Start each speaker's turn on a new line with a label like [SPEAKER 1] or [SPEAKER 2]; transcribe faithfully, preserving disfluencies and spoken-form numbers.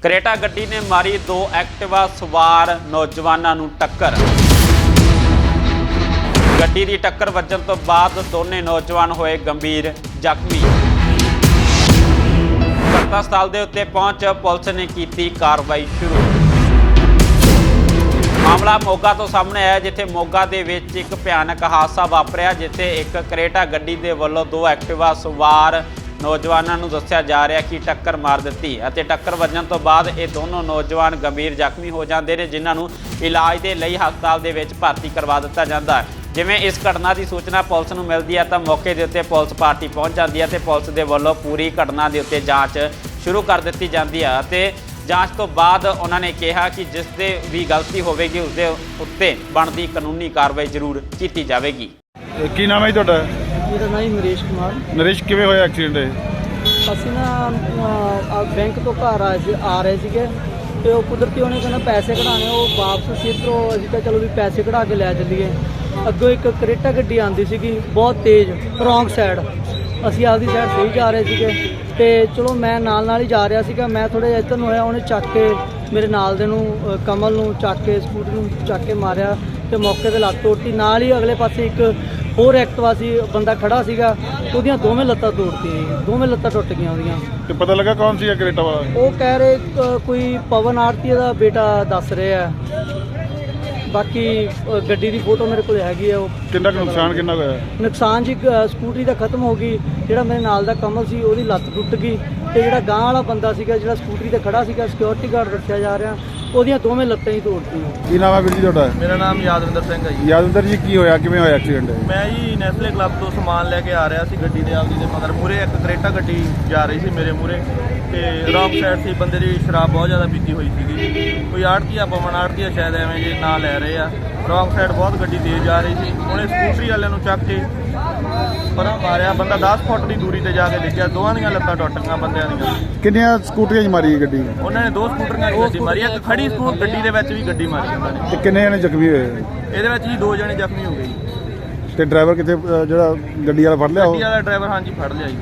[SPEAKER 1] Creta ਗੱਡੀ ने मारी दो एक्टिवा सवार नौजवानों नूं टक्कर। ਗੱਡੀ ਦੀ टक्कर ਵੱਜਣ ਤੋਂ ਬਾਅਦ ਦੋਨੇ नौजवान होए गंभीर ਜ਼ਖਮੀ। घटना स्थल के उत्ते पहुंच पुलिस ने की कार्रवाई शुरू। मामला मोगा तो सामने आया जिथे मोगा दे विच एक भयानक हादसा वापरिया जिथे एक करेटा गड्डी दे वल्लों दो एक्टिवा सवार नौजवानों नूं दस्सिया जा रहा कि टक्कर मार दी। टक्कर वजन तो बाद ये दोनों नौजवान गंभीर जख्मी हो जाते हैं जिन्होंने इलाज के लिए हस्पताल दे विच भर्ती करवा दिता जाता है। जिवें इस घटना की सूचना पुलिस नूं मिलती है तो मौके के उत्ते पुलिस पार्टी पहुँच जाती है तो पुलिस के वल्लों पूरी घटना के उत्ते जांच शुरू कर दी जाती है तो जांच तो बाद उन्होंने कहा कि जिस दे भी गलती होगी उसके उत्ते बनती कानूनी कार्रवाई जरूर की जाएगी।
[SPEAKER 2] की नाम है जी तुहाडा?
[SPEAKER 3] मेरा नाम नरेश कुमार।
[SPEAKER 2] नरेश किवें होया एक्सीडेंट?
[SPEAKER 3] ਅਸੀਂ ਨਾ ਬੈਂਕ ਤੋਂ ਘਰ ਆਏ ਸੀ ਆ ਰਹੇ ਸੀਗੇ ਤੇ ਉਹ ਕੁਦਰਤੀ ਉਹਨੇ ਕਹਿੰਦਾ ਪੈਸੇ ਕਢਾਣੇ ਉਹ ਵਾਪਸ ਸੀ ਇੱਧਰੋਂ ਅਸੀਂ ਤਾਂ ਚਲੋ ਵੀ ਪੈਸੇ ਕਢਾ ਕੇ ਲੈ ਚੱਲੀਏ। ਅੱਗੋਂ ਇੱਕ ਕਰੇਟਾ ਗੱਡੀ ਆਉਂਦੀ ਸੀਗੀ ਬਹੁਤ ਤੇਜ਼ ਰੌਂਗ ਸਾਈਡ, ਅਸੀਂ ਆਪਦੀ ਸਾਈਡ ਸਹੀ ਜਾ ਰਹੇ ਸੀਗੇ ਤੇ ਚਲੋ ਮੈਂ ਨਾਲ ਨਾਲ ਹੀ ਜਾ ਰਿਹਾ ਸੀਗਾ। ਮੈਂ ਥੋੜ੍ਹਾ ਜਿਹਾ ਇੱਧਰ ਨੂੰ ਹੋਇਆ, ਉਹਨੇ ਚੱਕ ਕੇ ਮੇਰੇ ਨਾਲ ਦੇ ਨੂੰ ਕਮਲ ਨੂੰ ਚੱਕ ਕੇ ਸਕੂਟਰ ਨੂੰ ਚੱਕ ਕੇ ਮਾਰਿਆ ਤੇ ਮੌਕੇ 'ਤੇ ਲੱਤ ਤੋੜਤੀ। ਨਾਲ ਹੀ ਅਗਲੇ ਪਾਸੇ ਇੱਕ ਹੋਰ ਐਕਟਿਵਾ ਸੀ ਬੰਦਾ ਖੜਾ ਸੀਗਾ, ਉਹਦੀਆਂ ਦੋਵੇਂ ਲੱਤਾਂ ਤੋੜਤੀਆਂ, ਦੋਵੇਂ ਲੱਤਾਂ ਟੁੱਟ ਗਈਆਂ ਉਹਦੀਆਂ।
[SPEAKER 2] ਤੇ ਪਤਾ ਲੱਗਾ ਕੌਣ ਸੀ ਕਰੇਟਾ ਵਾਲਾ?
[SPEAKER 3] ਉਹ ਕਹਿ ਰਹੇ ਅ, ਕੋਈ ਪਵਨ ਆਰਤੀ ਦਾ ਬੇਟਾ ਦੱਸ ਰਹੇ ਆ। ਬਾਕੀ ਅ, ਗੱਡੀ ਦੀ ਫੋਟੋ ਮੇਰੇ ਕੋਲ ਹੈਗੀ ਆ। ਉਹ
[SPEAKER 2] ਕਿੰਨਾ ਕੁ ਨੁਕਸਾਨ ਕਿੰਨਾ ਕੁ ਹੋਇਆ?
[SPEAKER 3] ਨੁਕਸਾਨ ਜੀ ਅ, ਸਕੂਟਰੀ ਦਾ ਖਤਮ ਹੋ ਗਈ। ਜਿਹੜਾ ਮੇਰੇ ਨਾਲ ਦਾ ਕਮਲ ਸੀ ਉਹਦੀ ਲੱਤ ਟੁੱਟ ਗਈ ਤੇ ਜਿਹੜਾ ਗਾਂਹ ਵਾਲਾ ਬੰਦਾ ਸੀਗਾ ਜਿਹੜਾ ਸਕੂਟਰੀ ਤੇ ਖੜਾ ਸੀਗਾ ਸਿਕਿਉਰਿਟੀ ਗਾਰਡ ਰੱਖਿਆ ਜਾ ਰਿਹਾ, ਉਹਦੀਆਂ ਦੋਵੇਂ ਲੱਤਾਂ ਹੀ ਤੋੜਤੀਆਂ।
[SPEAKER 2] ਕੀ ਨਾਮ ਹੈ ਵੀਰ ਜੀ ਤੁਹਾਡਾ?
[SPEAKER 4] ਮੇਰਾ ਨਾਮ ਯਾਦਵਿੰਦਰ ਸਿੰਘ ਹੈ ਜੀ।
[SPEAKER 2] ਯਾਦਵਿੰਦਰ ਜੀ ਕੀ ਹੋਇਆ, ਕਿਵੇਂ ਹੋਇਆ ਐਕਸੀਡੈਂਟ?
[SPEAKER 4] ਮੈਂ ਜੀ ਨੈਸਲੇ ਕਲੱਬ ਤੋਂ ਸਮਾਨ ਲੈ ਕੇ ਆ ਰਿਹਾ ਸੀ ਗੱਡੀ ਦੇ ਆਪਦੀ ਦੇ ਮਗਰ ਮੂਰੇ ਇੱਕ ਕਰੇਟਾ ਗੱਡੀ ਜਾ ਰਹੀ ਸੀ ਮੇਰੇ ਮੂਰੇ ਤੇ ਰੌਂਗ ਸਾਈਡ ਸੀ। ਬੰਦੇ ਦੀ ਸ਼ਰਾਬ ਬਹੁਤ ਜ਼ਿਆਦਾ ਪੀਤੀ ਹੋਈ ਸੀਗੀ। ਕੋਈ ਆੜਤੀਆ ਪਵਨ ਆੜਤੀਆ ਸ਼ਾਇਦ ਐਵੇਂ ਜੇ ਨਾਂ ਲੈ ਰਹੇ ਆ। ਰੌਂਗ ਸਾਈਡ ਬਹੁਤ ਗੱਡੀ ਤੇਜ਼ ਜਾ ਰਹੀ ਸੀ। ਉਹਨੇ ਸਕੂਟਰੀ ਵਾਲਿਆਂ ਨੂੰ ਚੱਕ ਕੇ ਪਰਾਂ ਮਾਰਿਆ। ਬੰਦਾ ਦਸ ਫੁੱਟ ਦੀ ਦੂਰੀ ਤੇ ਜਾ ਕੇ ਦੇਖਿਆ ਦੋਵਾਂ ਦੀਆਂ ਲੱਤਾਂ ਟੁੱਟ ਗਈਆਂ ਬੰਦਿਆਂ ਦੀਆਂ।
[SPEAKER 2] ਕਿੰਨੀਆਂ ਸਕੂਟਰੀਆਂ 'ਚ ਮਾਰੀ ਗੱਡੀ?
[SPEAKER 4] ਉਹਨਾਂ ਨੇ ਦੋ ਸਕੂਟਰੀਆਂ 'ਚ ਗੱਡੀ ਮਾਰੀ, ਇੱਕ ਖੜੀ ਸਕੂਟਰ ਗੱਡੀ ਦੇ ਵਿੱਚ ਵੀ ਗੱਡੀ ਮਾਰੀ ਉਹਨਾਂ ਨੇ।
[SPEAKER 2] ਤੇ ਕਿੰਨੇ ਜਣੇ ਜ਼ਖਮੀ ਹੋਏ?
[SPEAKER 4] ਇਹਦੇ ਵਿੱਚ ਜੀ ਦੋ ਜਣੇ ਜ਼ਖਮੀ ਹੋ ਗਏ ਜੀ।
[SPEAKER 2] ਤੇ ਡਰਾਈਵਰ ਕਿੱਥੇ, ਅ, ਜਿਹੜਾ ਗੱਡੀ ਵਾਲਾ ਫੜ ਲਿਆ ਉਹ?
[SPEAKER 4] ਗੱਡੀ ਵਾਲਾ ਡਰਾਈਵਰ ਹਾਂਜੀ ਫੜ ਲਿਆ ਜੀ।